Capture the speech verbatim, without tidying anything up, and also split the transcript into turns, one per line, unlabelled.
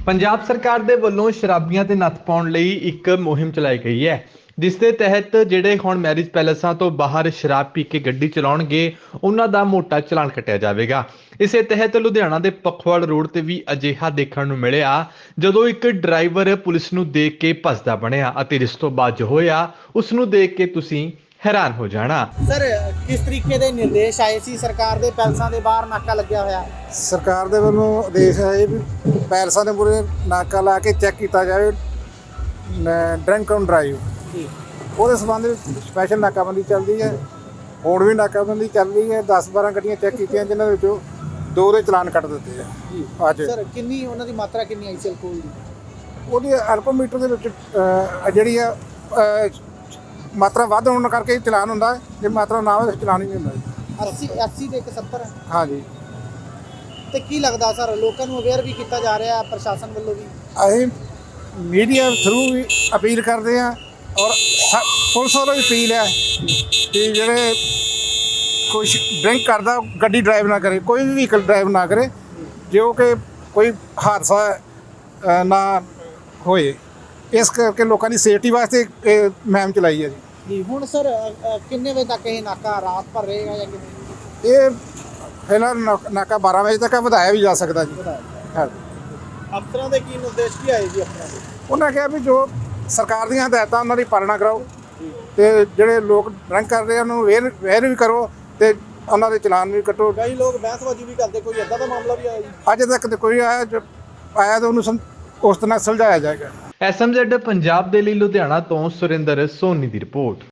ਪੰਜਾਬ ਸਰਕਾਰ ਦੇ ਵੱਲੋਂ ਸ਼ਰਾਬੀਆਂ ਤੇ ਨੱਥ ਪਾਉਣ ਲਈ ਇੱਕ ਮੁਹਿੰਮ ਚਲਾਈ ਗਈ ਹੈ, ਜਿਸ ਦੇ ਤਹਿਤ ਜਿਹੜੇ ਹੁਣ ਮੈਰਿਜ ਪੈਲੇਸਾਂ ਤੋਂ ਬਾਹਰ ਸ਼ਰਾਬ ਪੀ ਕੇ ਗੱਡੀ ਚਲਾਉਣਗੇ ਉਹਨਾਂ ਦਾ ਮੋਟਾ ਚਲਾਨ ਕੱਟਿਆ ਜਾਵੇਗਾ। ਇਸੇ ਤਹਿਤ ਲੁਧਿਆਣਾ ਦੇ ਪਖਵਾਲ ਰੋਡ ਤੇ ਵੀ ਅਜਿਹਾ ਦੇਖਣ ਨੂੰ ਮਿਲਿਆ, ਜਦੋਂ ਇੱਕ ਡਰਾਈਵਰ ਪੁਲਿਸ ਨੂੰ ਦੇਖ ਕੇ ਭੱਜਦਾ ਬਣਿਆ ਅਤੇ ਜਿਸ ਤੋਂ ਬਾਅਦ ਜੋ ਹੋਇਆ ਉਸ ਨੂੰ ਦੇਖ ਕੇ ਤੁਸੀਂ हैरान हो जाना।
सर किस तरीके के निर्देश आए सी सरकार दे पैलसां दे बाहर नाका लग्या होया?
सरकार दे ਵੱਲੋਂ ਆਦੇਸ਼ ਆਏ ਵੀ ਪੈਲਸਾਂ ਦੇ ਮੂਹਰੇ ਨਾਕਾ ਲਾ ਕੇ ਚੈੱਕ ਕੀਤਾ ਜਾਵੇ ਡਰਿੰਕ ਐਂਡ ਡਰਾਈਵ ਜੀ। ਉਹਦੇ ਸੰਬੰਧ ਵਿੱਚ ਸਪੈਸ਼ਲ ਨਾਕਾਬੰਦੀ ਚੱਲਦੀ ਹੈ। ਹੁਣ ਵੀ ਨਾਕਾਬੰਦੀ ਚੱਲ ਰਹੀ ਹੈ। ਦਸ ਬਾਰਾਂ ਗੱਡੀਆਂ ਚੈੱਕ ਕੀਤੀਆਂ, ਜਿਨ੍ਹਾਂ ਵਿੱਚੋਂ ਦੋ ਦੇ ਚਲਾਨ ਕੱਟ ਦਿੱਤੇ ਆ ਜੀ। ਅੱਜ
ਸਰ ਕਿੰਨੀ ਉਹਨਾਂ ਦੀ ਮਾਤਰਾ ਕਿੰਨੀ ਆਈ ਸੀ ਅਲਕੋਹਲ ਦੀ?
ਉਹਦੀ ਅਲਕੋਮੀਟਰ ਦੇ ਵਿੱਚ ਜਿਹੜੀ ਆ ਮਾਤਰਾ ਵੱਧ ਹੋਣ ਕਰਕੇ ਚਲਾਨ ਹੁੰਦਾ, ਜੇ ਮਾਤਰਾ ਨਾ ਹੋਵੇ ਚਲਾਨ ਹੀ ਨਹੀਂ ਹੁੰਦਾ।
अस्सी अस्सी ਤੇ ਇੱਕ ਸੱਤਰ
ਹਾਂਜੀ।
ਤੇ ਕੀ ਲੱਗਦਾ ਸਰ, ਲੋਕਾਂ ਨੂੰ ਅਵੇਅਰ ਵੀ ਕੀਤਾ ਜਾ ਰਿਹਾ ਪ੍ਰਸ਼ਾਸਨ ਵੱਲੋਂ ਵੀ?
ਅਸੀਂ ਮੀਡੀਆ ਥਰੂ ਵੀ ਅਪੀਲ ਕਰਦੇ ਹਾਂ, ਔਰ ਪੁਲਿਸ ਵੱਲੋਂ ਵੀ ਅਪੀਲ ਹੈ ਕਿ ਜਿਹੜੇ ਕੁਛ ਡਰਿੰਕ ਕਰਦਾ ਗੱਡੀ ਡਰਾਈਵ ਨਾ ਕਰੇ, ਕੋਈ ਵੀ ਵਹੀਕਲ ਡਰਾਈਵ ਨਾ ਕਰੇ, ਜੋ ਕਿ ਕੋਈ ਹਾਦਸਾ ਨਾ ਹੋਏ। ਇਸ ਕਰਕੇ ਲੋਕਾਂ ਦੀ ਸੇਫਟੀ ਵਾਸਤੇ ਇਹ ਮੁਹਿੰਮ ਚਲਾਈ ਹੈ ਜੀ।
ਜੀ ਹੁਣ ਸਰ ਕਿੰਨੇ ਵਜੇ ਤੱਕ ਇਹ ਨਾਕਾ ਰਾਤ ਭਰ ਰਹੇਗਾ ਜਾਂ ਕਿਵੇਂ?
ਇਹ ਫਿਲਹਾਲ ਨਾਕਾ ਬਾਰਾਂ ਵਜੇ ਤੱਕ ਵਧਾਇਆ ਵੀ ਜਾ ਸਕਦਾ ਜੀ। ਹਾਂ,
ਅਫਸਰਾਂ ਦੇ ਕੀ ਨਿਰਦੇਸ਼ ਕੀ ਆਏ ਜੀ ਅਫਸਰਾਂ ਦੇ?
ਉਹਨਾਂ ਕਿਹਾ ਵੀ ਜੋ ਸਰਕਾਰ ਦੀਆਂ ਹਦਾਇਤਾਂ ਉਹਨਾਂ ਦੀ ਪਾਲਣਾ ਕਰਾਓ, ਤੇ ਜਿਹੜੇ ਲੋਕ ਡਰਿੰਕ ਕਰ ਰਹੇ ਉਹਨਾਂ ਨੂੰ ਵੇਰ ਵੇਰ ਵੀ ਕਰੋ, ਤੇ ਉਹਨਾਂ ਦੇ ਚਲਾਨ ਵੀ ਕੱਟੋ।
ਕਈ ਲੋਕ ਬਹਿਸਬਾਜ਼ੀ ਵੀ ਕਰਦੇ, ਕੋਈ ਇੱਦਾਂ ਦਾ ਮਾਮਲਾ ਵੀ ਆਇਆ ਜੀ?
ਅੱਜ ਤੱਕ ਤੇ ਕੋਈ ਆਇਆ, ਜੋ ਆਇਆ ਤਾਂ ਉਹਨੂੰ ਉਸ ਤਰ੍ਹਾਂ ਸੁਲਝਾਇਆ ਜਾਏਗਾ।
ਐਸ ਐਮ ਜ਼ੈਡ ਪੰਜਾਬ ਦੇ ਲਈ ਲੁਧਿਆਣਾ ਤੋਂ ਸੁਰਿੰਦਰ ਸੋਨੀ ਦੀ ਰਿਪੋਰਟ।